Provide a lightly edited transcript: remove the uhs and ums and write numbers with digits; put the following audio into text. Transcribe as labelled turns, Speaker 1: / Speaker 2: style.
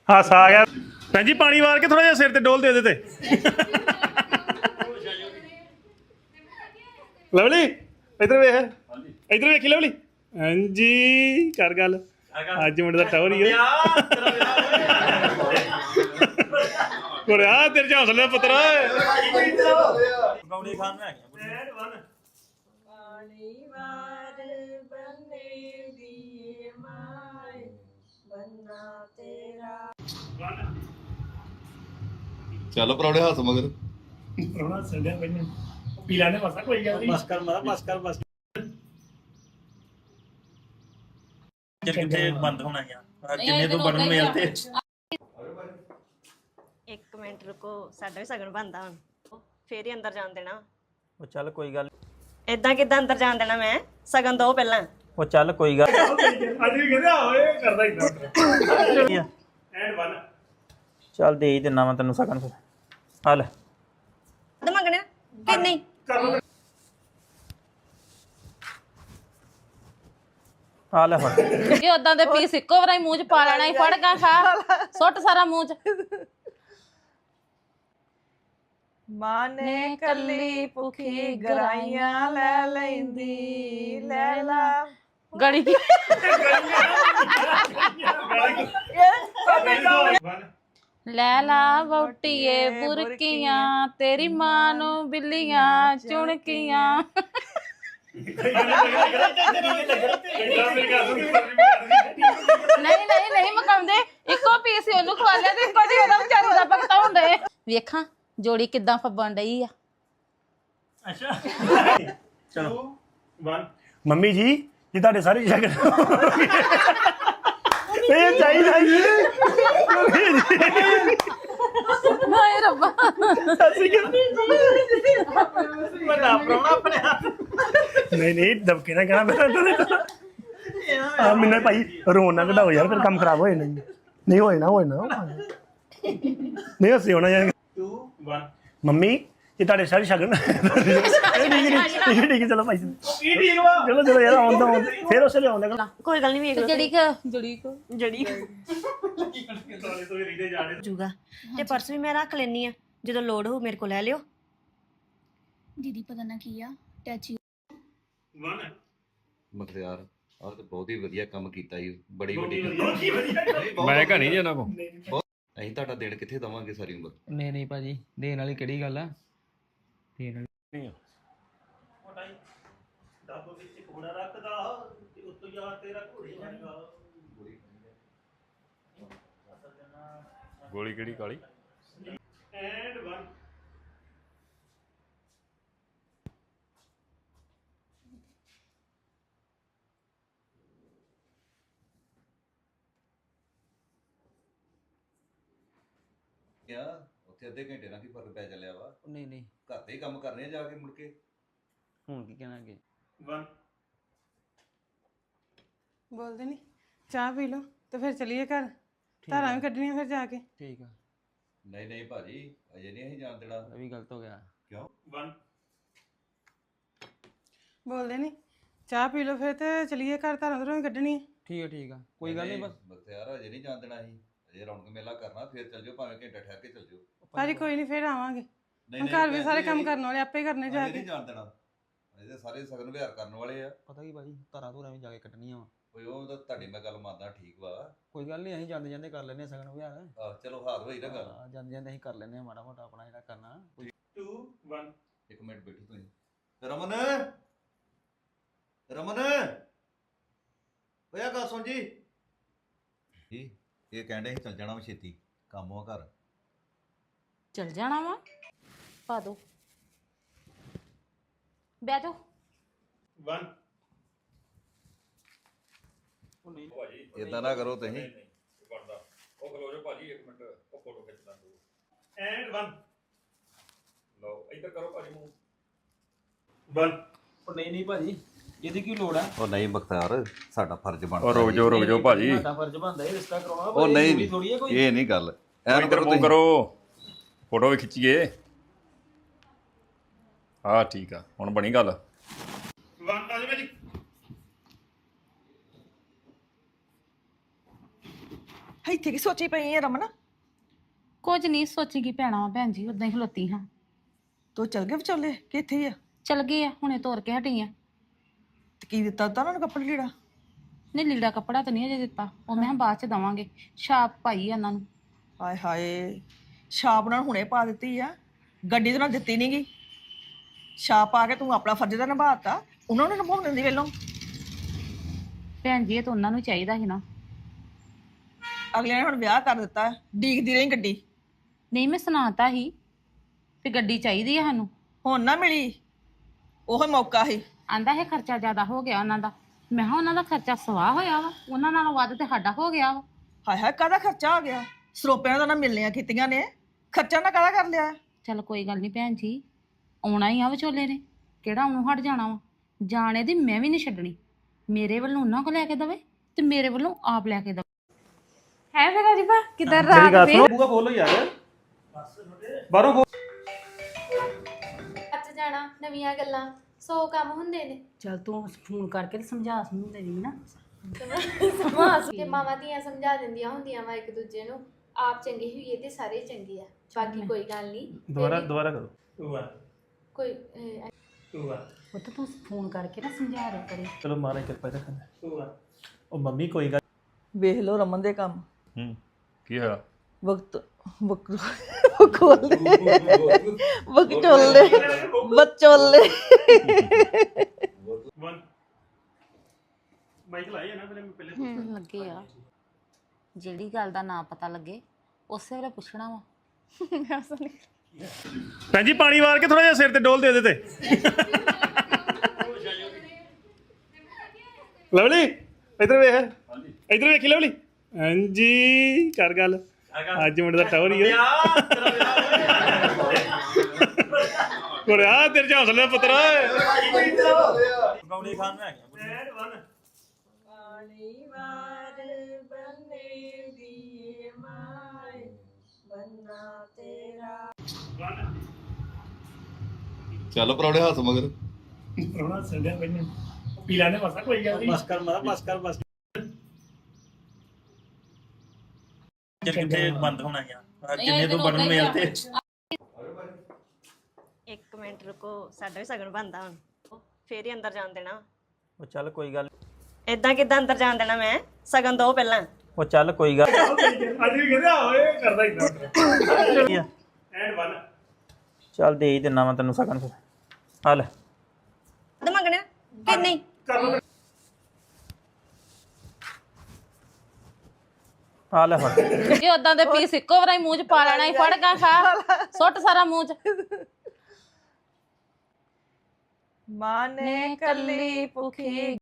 Speaker 1: ਹਾਸਾ ਆ ਗਿਆ ਭੈਣ ਜੀ ਪਾਣੀ ਵਾਰ ਕੇ ਥੋੜਾ ਜਿਹਾ ਸਿਰ ਤੇ ਡੋਲ ਦੇ ਤੇ ਲਵਲੀ ਇੱਧਰ ਵੇਖ ਇੱਧਰ ਵੇਖੀ ਲਵਲੀ ਹਾਂਜੀ ਕਰ ਗੱਲ ਅੱਜ ਮੁੰਡੇ ਦਾ ਟੌਰ ਹੀ ਕੋਰਿਆ ਤੇਰੇ ਚ ਹੌਸਲੇ ਪੁੱਤਰ
Speaker 2: ਬੌੜੀ ਖਾਨ ਮੈਂ ਆ ਗਿਆ
Speaker 3: ਪਾਣੀ ਵਾਰ ਬੰਨੇ ਦੀ ਮਾਏ ਬੰਨਾ ਤੇਰਾ
Speaker 4: ਚੱਲ ਪਰੌੜੇ ਹੱਥ ਮਗਰ
Speaker 1: ਰੋਣਾ ਸੰਡਿਆ ਪੈਣ ਪੀਲਾ ਨੇ ਮਸਾ ਕੋਈ ਗੱਲ ਨਹੀਂ
Speaker 2: ਬਸ ਕਰ ਮਾਰਾ ਬਸ ਕਿੱਥੇ ਬੰਦ ਹੋਣਾ ਯਾਰ ਜਿੰਨੇ ਤੋਂ ਬਣਨ ਮਿਲਦੇ
Speaker 3: 1 ਮਿੰਟ ਰੁਕੋ ਸਾਡਾ ਵੀ ਸਗਨ ਬੰਦਾ ਹੁਣ ਫੇਰ ਹੀ ਅੰਦਰ ਜਾਣ ਦੇਣਾ
Speaker 2: ਉਹ ਚੱਲ ਕੋਈ ਗੱਲ
Speaker 3: ਇਦਾਂ ਕਿੱਦਾਂ ਅੰਦਰ ਜਾਣ ਦੇਣਾ ਮੈਂ ਸਗਨ ਦੋ ਪਹਿਲਾਂ
Speaker 2: ਉਹ ਚੱਲ ਕੋਈ ਗੱਲ
Speaker 1: ਅੱਜ ਵੀ ਕਹਿੰਦਾ ਓਏ ਕਰਦਾ ਇਦਾਂ ਐਂਡ 1
Speaker 2: ਚੱਲ ਦੇ ਹੀ ਦਿੰਨਾ ਮੈਂ ਤੈਨੂੰ ਸਕਨ ਫਿਰ ਆ ਲੈ
Speaker 3: ਤੇ ਮੰਗਣਾ ਕਿ ਨਹੀਂ
Speaker 2: ਆ ਲੈ ਫੜ
Speaker 5: ਇਹ ਉਦਾਂ ਦੇ ਪੀਸ ਇੱਕੋ ਵਾਰੀ ਮੂੰਹ ਚ ਪਾ ਲੈਣਾ ਹੀ ਫੜ ਗਾ ਖਾ ਸੁੱਟ ਸਾਰਾ ਮੂੰਹ ਚ
Speaker 6: ਮਾਂ ਨੇ ਕੱਲੀ ਭੁੱਖੀ ਗਰਾਈਆਂ ਲੈ ਲੈਂਦੀ ਲੈ ਲਾ
Speaker 5: ਗੜੀ ਕੀ ਲੈ ਲਾ ਵੋਟੀਏ ਬੁਰਕੀਆਂ ਤੇਰੀ ਮਾਂ ਨੂੰ ਬਿੱਲੀਆਂ ਚੁਣਕੀਆਂ ਨਹੀਂ ਮਕਾਉਂਦੇ ਇੱਕੋ ਪੀਸ ਹੀ ਉਹਨੂੰ ਖਵਾ ਲਿਆ ਤੇ ਇੱਕੋ ਜੀ ਉਹਦਾ ਵਿਚਾਰੀ ਦਾ ਭਗਤਾ ਹੁੰਦੇ ਵੇਖਾਂ ਜੋੜੀ ਕਿੱਦਾਂ ਫੱਬਣ ਡਈ ਆ
Speaker 2: ਅੱਛਾ ਚਲੋ
Speaker 1: 1 ਮੰਮੀ ਜੀ ਜੀ ਤੁਹਾਡੇ ਸਾਰੇ ਸ਼ਗਨ ਇਹ ਚਾਹੀਦਾ ਜੀ
Speaker 5: ਹਾਏ ਰੱਬਾ
Speaker 2: ਬੜਾ ਪ੍ਰਾਹੁਣਾ ਆਪਣੇ ਹੱਥ
Speaker 1: ਨਹੀਂ ਦਬਕੇ ਨਾ ਕਹਿਣਾ ਮੈਂ ਆ ਮੈਨੂੰ ਭਾਈ ਰੋਣ ਨਾ ਕਢਾਓ ਯਾਰ ਫਿਰ ਕੰਮ ਖਰਾਬ ਹੋ ਜਾਣਾ ਨਹੀਂ ਹੋਏ ਨਾ ਨਹੀਂ ਹੱਸੇ ਹੋਣਾ ਯਾਰ
Speaker 2: 2 1
Speaker 1: ਮੰਮੀ ਇਹ ਤੁਹਾਡੇ ਸਾਰੇ ਸ਼ਗਨ ਠੀਕ ਚਲੋ ਭਾਈ ਚਲੋ ਯਾਰ ਆਉਂਦਾ ਫਿਰ ਉਸੇ ਲਿਆਉਂਦਾ
Speaker 3: ਕੋਈ ਗੱਲ ਨਹੀਂ ਵੇਖ
Speaker 5: ਜੜੀ
Speaker 3: ਜੂਗਾ ਤੇ ਪਰਸ ਵੀ ਮੈਂ ਰੱਖ ਲੈਣੀ ਆ ਜਦੋਂ ਲੋੜ ਹੋ ਮੇਰੇ ਕੋਲ ਲੈ ਲਿਓ
Speaker 7: ਦੀਦੀ ਪਤਾ ਨਾ ਕੀ ਆ ਟੈਚੀ
Speaker 4: ਮਖਤਿਆਰ ਆਹ ਤੇ ਬਹੁਤ ਹੀ ਵਧੀਆ ਕੰਮ ਕੀਤਾ ਜੀ ਬੜੀ ਵੱਡੀ
Speaker 8: ਮੈਂ ਕਹਾਣੀ ਜੀ ਉਹਨਾਂ ਕੋ
Speaker 4: ਅਸੀਂ ਤੁਹਾਡਾ ਦੇਣ ਕਿੱਥੇ ਦਵਾਂਗੇ ਸਾਰੀ ਉਮਰ
Speaker 9: ਨਹੀਂ ਭਾਜੀ ਦੇਣ ਵਾਲੀ ਕਿਹੜੀ ਗੱਲ ਆ ਦੇਣ ਵਾਲੀ
Speaker 2: ਡੱਬ ਵਿੱਚ ਘੋੜਾ ਰੱਖਦਾ ਤੇ ਉੱਤੋਂ ਯਾਰ ਤੇਰਾ ਘੋੜੇ ਵਰਗਾ
Speaker 8: ਗੋਲੀ ਕਿਹੜੀ ਕਾਲੀ
Speaker 1: ਐਂਡ 1
Speaker 4: ਕਿਆ ਉੱਥੇ ਅੱਧੇ ਘੰਟੇ ਨਾਲ ਕੀ ਫਰਕ ਪੈ ਚੱਲਿਆ ਵਾ
Speaker 9: ਨਹੀਂ
Speaker 4: ਘਰ ਦੇ ਹੀ ਕੰਮ ਕਰਨੇ ਆ ਜਾ ਕੇ ਮੁੜ ਕੇ
Speaker 9: ਹੁਣ ਕੀ ਕਹਿਣਾ ਅੱਗੇ
Speaker 1: 1
Speaker 6: ਬੋਲਦੇ ਨਹੀਂ ਚਾਹ ਪੀ ਲਓ ਤੇ ਫਿਰ ਚਲੀਏ ਘਰ ਧਾਰਾਂ ਵੀ ਕੱਢਣੀਆਂ ਫਿਰ ਜਾ ਕੇ
Speaker 9: ਠੀਕ ਆ
Speaker 4: ਨਹੀਂ ਭਾਜੀ ਅਜੇ ਨਹੀਂ ਅਸੀਂ ਜਾਣ ਦੇਣਾ
Speaker 9: ਇਹ ਵੀ ਗਲਤ ਹੋ ਗਿਆ
Speaker 4: ਕਿਉਂ
Speaker 1: 1
Speaker 6: ਬੋਲਦੇ ਨਹੀਂ ਚਾਹ ਪੀ ਲਓ ਫਿਰ ਤੇ ਚਲੀਏ ਘਰ ਧਾਰਾਂ ਉਧਰੋਂ ਵੀ ਕੱਢਣੀਆਂ
Speaker 9: ਠੀਕ ਆ ਕੋਈ ਗੱਲ ਨਹੀਂ ਬਸ
Speaker 4: ਮਖਤਿਆਰ ਅਜੇ ਨਹੀਂ ਜਾਣ ਦੇਣਾ ਅਸੀਂ ਅਜੇ ਰੌਣਕ ਮੇਲਾ ਕਰਨਾ ਫਿਰ ਚੱਲ ਜਾਓ ਭਾਵੇਂ ਘੰਟਾ ਠਹਿਰ ਕੇ ਚੱਲ ਜਾਓ
Speaker 6: ਭਾਜੀ ਕੋਈ ਨਹੀਂ ਫਿਰ ਆਵਾਂਗੇ
Speaker 4: ਨਹੀਂ
Speaker 6: ਹੁਣ ਘਰ ਵੀ ਸਾਰੇ ਕੰਮ ਕਰਨ ਵਾਲੇ ਆਪੇ ਕਰਨੇ ਜਾ
Speaker 4: ਅਜੇ
Speaker 6: ਕੇ
Speaker 4: ਨਹੀਂ ਜਾਣ ਦੇਣਾ ਅਜੇ ਸਾਰੇ ਸਗਨ ਵਿਹਾਰ ਕਰਨ ਵਾਲੇ ਆ
Speaker 9: ਪਤਾ ਕੀ ਭਾਜੀ ਧਾਰਾਂ ਧੂਰਾਂ ਵੀ ਜਾ ਕੇ ਕੱਟਣੀਆਂ ਵਾ
Speaker 4: ਕੋਈ ਉਹ ਤਾਂ ਤੁਹਾਡੀ ਮੈਂ ਗੱਲ ਮੰਨਦਾ ਠੀਕ ਵਾ
Speaker 9: ਕੋਈ ਗੱਲ ਨਹੀਂ ਅਸੀਂ ਜਾਂਦੇ ਕਰ ਲੈਨੇ ਸਗਨ ਵਿਹਾਰ
Speaker 4: ਚਲੋ ਹਾਰ ਹੋਈ ਨਾ ਗੱਲ
Speaker 9: ਜਾਂਦੇ ਅਸੀਂ ਕਰ ਲੈਨੇ ਮਾੜਾ ਮੋਟਾ ਆਪਣਾ ਜਿਹੜਾ ਕਰਨਾ
Speaker 1: 2 1
Speaker 4: ਇੱਕ ਮਿੰਟ ਬੈਠੋ ਤੁਸੀਂ ਰਮਨ ਓਏ ਆ ਗੱਲ ਸੁਣ ਜੀ ਇਹ ਕਹਿੰਦੇ ਚੱਲ ਜਾਣਾ ਵਾ ਛੇਤੀ ਕੰਮ ਆ ਘਰ
Speaker 5: ਚਲ ਜਾਣਾ ਵਾ ਪਾ ਦੋ ਬਹਿ ਜਾਓ
Speaker 1: 1
Speaker 4: ਇਦਾਂ ਨਾ ਕਰੋ ਤੁਸੀਂ
Speaker 8: ਉਹ ਖਲੋ ਜਾਓ ਭਾਜੀ 1 ਮਿੰਟ ਉਹ ਫੋਟੋ ਖਿੱਚ ਲਾਂ
Speaker 1: ਐਂਡ 1
Speaker 8: ਲਓ ਇੱਧਰ ਕਰੋ ਭਾਜੀ ਮੂੰਹ
Speaker 1: 1
Speaker 9: ਉਹ ਨਹੀਂ ਭਾਜੀ ਇਹਦੀ ਕੀ ਲੋੜ ਆ
Speaker 4: ਉਹ ਨਹੀਂ ਬਖਤਿਆਰ ਸਾਡਾ ਫਰਜ਼ ਬਣਦਾ
Speaker 8: ਉਹ ਰੁਕ ਜਾਓ ਭਾਜੀ
Speaker 9: ਸਾਡਾ ਫਰਜ਼ ਬਣਦਾ ਇਹ ਰਿਸ਼ਤਾ ਕਰਾਉਣਾ
Speaker 4: ਉਹ ਨਹੀਂ ਇਹ ਨਹੀਂ ਗੱਲ ਐਨ
Speaker 8: ਇੱਧਰ ਮੂੰਹ ਕਰੋ ਫੋਟੋ ਵੀ ਖਿੱਚੀਏ ਹਾਂ ਠੀਕ ਆ ਹੁਣ ਬਣੀ ਗੱਲ
Speaker 1: 1 ਆ ਜਾ ਭਾਜੀ
Speaker 10: ਇੱਥੇ ਕੀ ਸੋਚੀ ਪਈ ਹੈ ਰਮਨ?
Speaker 5: ਕੁਝ ਨਹੀਂ ਸੋਚੀ ਕੀ ਪੈਣਾ ਵਾ ਭੈਣ ਜੀ, ਉਦਾਂ ਹੀ ਖਲੋਤੀ ਹਾਂ।
Speaker 10: ਤੂੰ ਚਲ ਗਏ ਵਿਚੋਲੇ ਕਿ ਇੱਥੇ ਹੀ ਆ?
Speaker 5: ਚਲ ਗਏ ਆ, ਹੁਣੇ ਤੋਰ ਕੇ ਹਟੀ ਆ।
Speaker 10: ਤੇ ਕੀ ਦਿੱਤਾ ਤਾ ਉਹਨਾਂ ਨੂੰ ਕੱਪੜੇ ਲੀੜਾ?
Speaker 5: ਨਹੀਂ ਲੀੜਾ ਕੱਪੜਾ ਤਾਂ ਨਹੀਂ ਅਜੇ ਦਿੱਤਾ, ਉਹ ਮੈਂ ਕਿਹਾ ਬਾਅਦ ਚ ਦਵਾਂਗੇ। ਛਾਪ ਪਾਈ ਆ ਉਹਨਾਂ ਨੂੰ।
Speaker 10: ਹਾਏ ਹਾਏ, ਛਾਪ ਨਾਲ ਹੁਣੇ ਪਾ ਦਿੱਤੀ ਆ, ਗੱਡੀ ਤੇ ਨਾਲ ਦਿੱਤੀ ਨੀ ਗੀ। ਛਾਪ ਪਾ ਕੇ ਤੂੰ ਆਪਣਾ ਫਰਜ਼ ਤਾਂ ਨਿਭਾਤਾ, ਉਹਨਾਂ ਨੂੰ ਨਿਭਾਉਣ ਦਿੰਦੀ ਵੇਲੋਂ।
Speaker 5: ਭੈਣ ਜੀ ਇਹ ਤਾਂ ਉਹਨਾਂ ਨੂੰ ਚਾਹੀਦਾ ਸੀ ਨਾ।
Speaker 10: ਅਗਲੇ ਨੇ ਹੁਣ ਵਿਆਹ ਕਰ ਦਿੱਤਾ, ਡੀਕਦੀ ਰਹੀ ਗੱਡੀ।
Speaker 5: ਨਹੀਂ ਮੈਂ ਸੁਣਾਤਾ ਸੀ ਵੀ ਗੱਡੀ ਚਾਹੀਦੀ ਆ ਸਾਨੂੰ।
Speaker 10: ਹੁਣ ਨਾ ਮਿਲੀ, ਉਹ ਮੌਕਾ ਸੀ।
Speaker 5: ਆਂਦਾ ਇਹ ਖਰਚਾ ਜ਼ਿਆਦਾ ਹੋ ਗਿਆ ਉਹਨਾਂ ਦਾ। ਮੈਂ ਕਿਹਾ ਉਹਨਾਂ ਦਾ ਖਰਚਾ ਸਵਾਹ ਹੋਇਆ ਵਾ, ਉਹਨਾਂ ਨਾਲੋਂ ਵੱਧ ਤੇ ਸਾਡਾ ਹੋ ਗਿਆ ਵਾ।
Speaker 10: ਹਾਏ ਹਾਏ, ਕਾਹਦਾ ਖਰਚਾ ਆ ਗਿਆ? ਸਰੋਪਿਆਂ ਦਾ ਨਾ ਮਿਲਣੀਆਂ ਕੀਤੀਆਂ ਨੇ, ਖਰਚਾ ਨਾ ਕਾਹਦਾ ਕਰ ਲਿਆ?
Speaker 5: ਚੱਲ ਕੋਈ ਗੱਲ ਨਹੀਂ ਭੈਣ ਜੀ, ਆਉਣਾ ਹੀ ਆ ਵਿਚੋਲੇ ਨੇ, ਕਿਹੜਾ ਉਹਨੂੰ ਹਟ ਜਾਣਾ ਵਾ। ਜਾਣੇ ਦੀ ਮੈਂ ਵੀ ਨਹੀਂ ਛੱਡਣੀ। ਮੇਰੇ ਵੱਲੋਂ ਉਹਨਾਂ ਕੋ ਲੈ ਕੇ ਦਵੇ ਤੇ ਮੇਰੇ ਵੱਲੋਂ ਆਪ ਲੈ ਕੇ ਦਵੇ।
Speaker 6: ਹੈ ਫਿਰ ਅਜੀਬਾ ਕਿੱਧਰ ਰਾਤ ਵੀ
Speaker 2: ਬੂਗਾ ਖੋਲੋ ਯਾਰ ਬਾਹਰੋਂ ਖੋਲ।
Speaker 7: ਅੱਜ ਜਾਣਾ ਨਵੀਆਂ ਗੱਲਾਂ 100 ਕੰਮ ਹੁੰਦੇ ਨੇ
Speaker 5: ਚੱਲ ਤੂੰ ਫੋਨ ਕਰਕੇ ਤੇ ਸਮਝਾ ਸਮਝਦੇ ਵੀ ਨਾ।
Speaker 7: ਤੇ ਮਾਵਾਂ ਧੀਆਂ ਸਮਝਾ ਦਿੰਦੀਆਂ ਹੁੰਦੀਆਂ ਵਾ ਇੱਕ ਦੂਜੇ ਨੂੰ। ਆਪ ਚੰਗੇ ਹੋਈਏ ਤੇ ਸਾਰੇ ਚੰਗੇ ਆ, ਬਾਕੀ ਕੋਈ ਗੱਲ ਨਹੀਂ।
Speaker 1: ਦੁਬਾਰਾ ਕਰੋ।
Speaker 7: ਕੋਈ
Speaker 5: ਉਹ ਤਾਂ ਤੂੰ ਫੋਨ ਕਰਕੇ ਨਾ ਸਮਝਾ ਰਿਹਾ ਕਰੇ।
Speaker 1: ਚਲੋ ਮਾਰੇ ਕਿਰਪਾ ਰੱਖਣਾ। ਉਹ ਮੰਮੀ ਕੋਈ ਗੱਲ
Speaker 10: ਵੇਖ ਲਓ ਰਮਨ ਦੇ ਕੰਮ।
Speaker 4: ਕੀ ਹੋਇਆ?
Speaker 10: ਬਕਚੋਲੇ ਬੱਚੋਲੇ।
Speaker 1: ਮਾਈਕ ਲਾਇਆ ਨਾ ਪਹਿਲੇ
Speaker 5: ਲੱਗੇ ਆ, ਜਿਹੜੀ ਗੱਲ ਦਾ ਨਾ ਪਤਾ ਲੱਗੇ ਉਸੇ ਵੇਲੇ ਪੁੱਛਣਾ ਵਾ।
Speaker 1: ਭੈਣ ਜੀ ਪਾਣੀ ਵਾਰ ਕੇ ਥੋੜਾ ਜਿਹਾ ਸਿਰ ਤੇ ਡੋਲ ਦੇ ਦੇ ਤੇ। ਲਵਲੀ ਇਧਰ ਵੇਖ, ਇਧਰ ਵੇਖੀ ਲਵਲੀ। ਹਾਂਜੀ ਕਰ ਗੱਲ। ਅੱਜ ਮੁੰਡੇ ਦਾ ਟੌਰ ਹੀ ਹੈ। ਕੋਰਿਆ ਤੇਰੇ ਚ ਹੌਸਲੇ ਪੁੱਤਰ।
Speaker 2: ਗੌੜੀ ਖਾਨ ਨੂੰ ਹੈਗਾ
Speaker 4: ਚੱਲ ਪਰੌੜੇ ਹੱਥ ਮਗਰ।
Speaker 1: ਰੋਣਾ ਸੰਗਿਆ ਬੰਨੇ ਪੀਲਾ ਨੇ ਵਸਾ ਕੋਈ ਗੱਲ ਨਹੀਂ।
Speaker 2: ਬਸ ਕਰ ਮਾਰਾ ਬਸ ਕਰ ਬਸ। ਕਿੱਥੇ ਬੰਦ ਹੋਣਾ ਯਾਰ, ਜਿੰਨੇ ਤੋਂ ਬਣਨ ਮਿਲਦੇ।
Speaker 3: 1 ਮਿੰਟ ਰੁਕੋ, ਸਾਡਾ ਵੀ ਸਗਨ ਬਣਦਾ ਹੁਣ, ਫੇਰ ਹੀ ਅੰਦਰ ਜਾਣ ਦੇਣਾ।
Speaker 2: ਉਹ ਚੱਲ ਕੋਈ ਗੱਲ।
Speaker 3: ਇਦਾਂ ਕਿੱਦਾਂ ਅੰਦਰ ਜਾਣ ਦੇਣਾ ਮੈਂ? ਸਗਨ ਦੋ ਪਹਿਲਾਂ।
Speaker 2: ਉਹ ਚੱਲ ਕੋਈ ਗੱਲ।
Speaker 1: ਅੱਜ ਵੀ ਕਹਿੰਦਾ ਓਏ ਕਰਦਾ ਇਦਾਂ। ਐਂਡ 1
Speaker 2: ਚੱਲ ਦੇ ਹੀ ਦਿੰਨਾ ਮੈਂ ਤੈਨੂੰ ਸਗਨ। ਫਿਰ ਆ ਲੈ
Speaker 3: ਤੇ ਮੰਗਣਾ ਕਿ ਨਹੀਂ?
Speaker 2: ਆ ਲੈ ਫੜ।
Speaker 5: ਇਹ ਉਦਾਂ ਦੇ ਪੀਸ ਇੱਕੋ ਵਾਰੀ ਮੂੰਹ ਚ ਪਾ ਲੈਣਾ ਹੀ। ਫੜ ਗਾ ਖਾ, ਸੁੱਟ ਸਾਰਾ ਮੂੰਹ ਚ।
Speaker 10: ਮਾਂ ਨੇ ਕੱਲੀ ਭੁੱਖੀ